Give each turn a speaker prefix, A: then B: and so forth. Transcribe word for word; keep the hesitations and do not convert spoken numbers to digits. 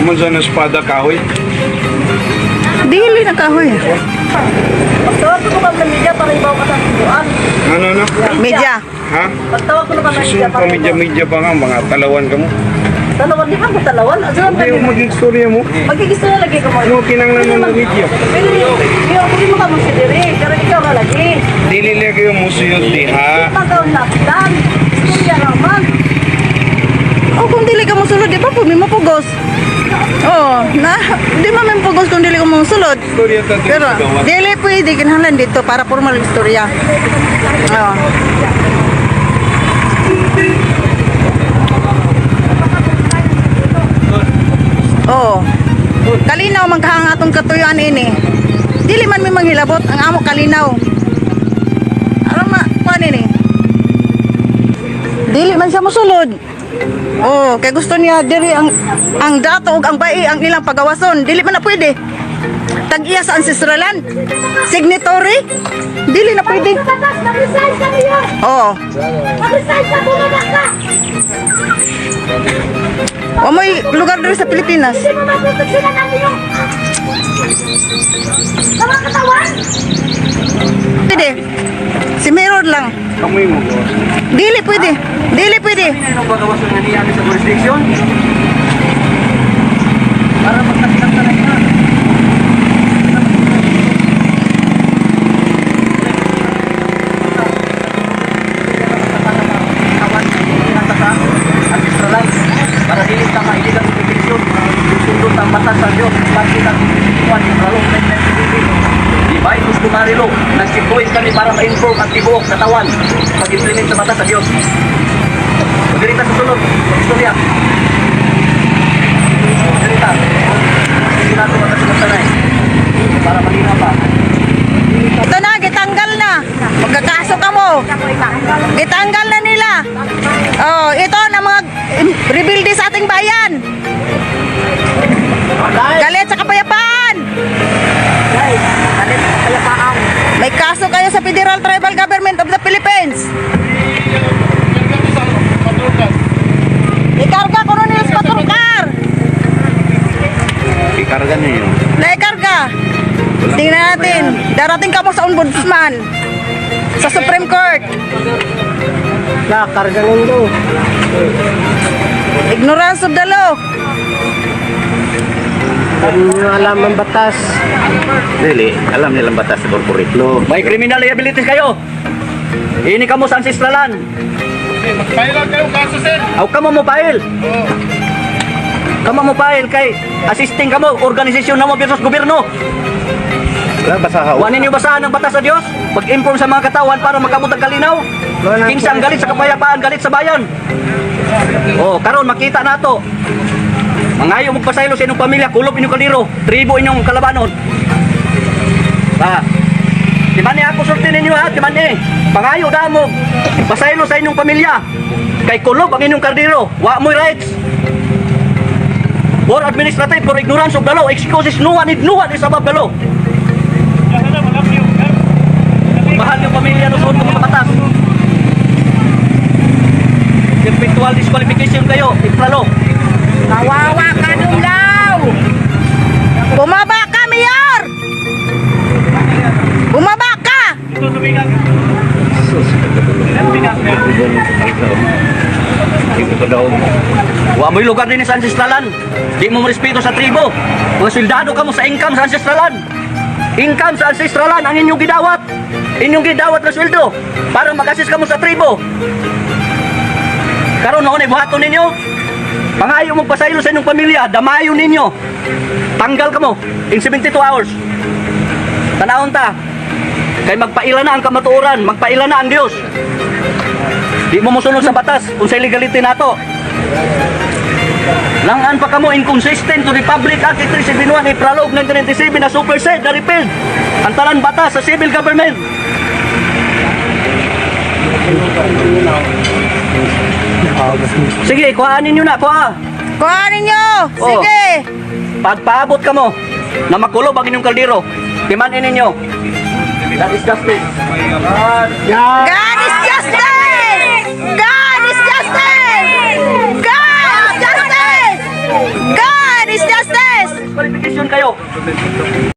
A: Naman sa espada kahoy.
B: Dili na kahoy.
C: Pagtawag ko naman ng media para ibaw ka sa tubuan.
A: Ano, ano?
B: Media.
A: Ha?
C: Pagtawag ko naman ng media
A: Susunod
C: para
A: pa media-media pa nga, mga talawan ka mo.
C: Talawan, di ba ko talawan? Ano ang
A: Hindi yung maging storya mo.
C: Magigisto na lagi ka mo.
A: Ano kinanglan mo ng media?
C: Pero yung, yung, hindi mo ka magsidiri. Pero ikaw na lagi.
A: Dili lagi yung musiyot diha.
C: Pagkaon lapitan. Istorya naman.
B: Oh, kung dili ka mo sulod, di ba po, may mapugos. Oh, na, di ba may pugos kung dili ka mo sulod.
A: Storya ta dito
B: Pero,
A: gawa.
B: dili pwede kinahanglan dito para formal istorya. Oh. Oh. Kalinaw man kahang atong katuyuan ini. Dili man may manghilabot ang amo kalinaw. Ano ma kuan ini? Dili man siya mosulod. Oh, kay gusto niya diri ang ang dato ug ang bai ang ilang pagawason. Dili man na pwede. Tag-iya sa ancestral land. Signatory. Dili na pwede. Oh. O may lugar dito sa Pilipinas. Pwede. Si Mirror lang.
A: Kamoy mo ko.
B: Dili pwede. Dili pwede.
D: Ano ba gawasan nga niya sa jurisdiction? Para magkakita na ina. Para dili ka mailig ang jurisdiction, susundot ang batas sa Diyos, pati ang kuwan ng lalong na di ba yung customary law, nag-sequence kami para ma-inform ang tibuok sa tawan pag-implement sa batas sa Diyos. Magdalita sa sunod, istorya. Magdalita. Hindi natin matasunod-sanay. Para malina pa.
B: Ito na, gitanggal na. Magkakaso ka mo. Gitanggal na nila. Oh, ito na mga rebuildi sa ating bayan. Galit sa kapayapaan.
C: Galit sa kapayapaan.
B: May kaso kayo sa Federal Tribal Government of the Philippines. Ikarga ko nun yung patrokar.
A: Ikarga niyo yun.
B: Naikarga. Tingnan natin. Darating ka mo sa ombudsman. Sa Supreme Court.
C: Na, karga nito.
B: Ignorance of the law.
C: Hindi nyo alam ang batas.
D: Dili, alam nilang batas sa corporate law. May criminal liabilities kayo. Ini ka mo sa ancestralan.
A: Mag-file lang kayong kaso, sir.
D: Aw kamo mo file. Kamo mo file kay assisting kamo organisasyon namo versus gobyerno.
A: Wala basa ka.
D: Wa ninyo basahan ang batas sa Dios? Pag-inform sa mga katawan para magkamot ang kalinaw. Kinsa ang galit sa kapayapaan, galit sa bayan. Oh, karon makita nato. Mangayo mo pasaylo sa inyong pamilya, kulop inyong kaldero, tribo inyong kalabanon. Ah. Di man ni ako sulti ninyo ha, di man ni. Pangayo da mo. Pasaylo sa inyong pamilya. Kay kulop ang inyong kaldero, wa mo'y rights. For administrative, for ignorance of the law, excuses no one, no one is above the law. Mahal yung pamilya no sa mga batas. Virtual disqualification kayo, ipralo.
B: Kawawa ka Dunglaw! Bumaba ka, Mayor! Bumaba ka!
D: Wa mo'y lugar din sa ancestralan. Di mo respeto sa tribo. Mga soldado ka mo sa income sa ancestralan. Income sa ancestralan ang inyong gidawat. Inyong gidawat na sweldo para mag-assist ka mo sa tribo. Karon noon ay buhaton ninyo. Pangayo mong pasaylo sa inyong pamilya, damayo ninyo. Tanggal ka mo in seventy-two hours. Tanahon ta. Kay magpaila na ang kamatuoran, magpaila na ang Dios. Di mo musunod sa batas kung sa illegality nato. Langan pa kamo inconsistent to Republic Act three seventy-one April nineteen ninety-seven na supersede na repealed ang talan batas sa civil government. Sige, kuhaanin nyo na, kuha.
B: Kuhanin nyo!
D: Oh.
B: Sige!
D: Pagpaabot ka mo na makulob ang inyong kaldero, timanin ninyo. That is justice.
B: God is justice! God is justice! God is justice! God is justice!
D: kayo.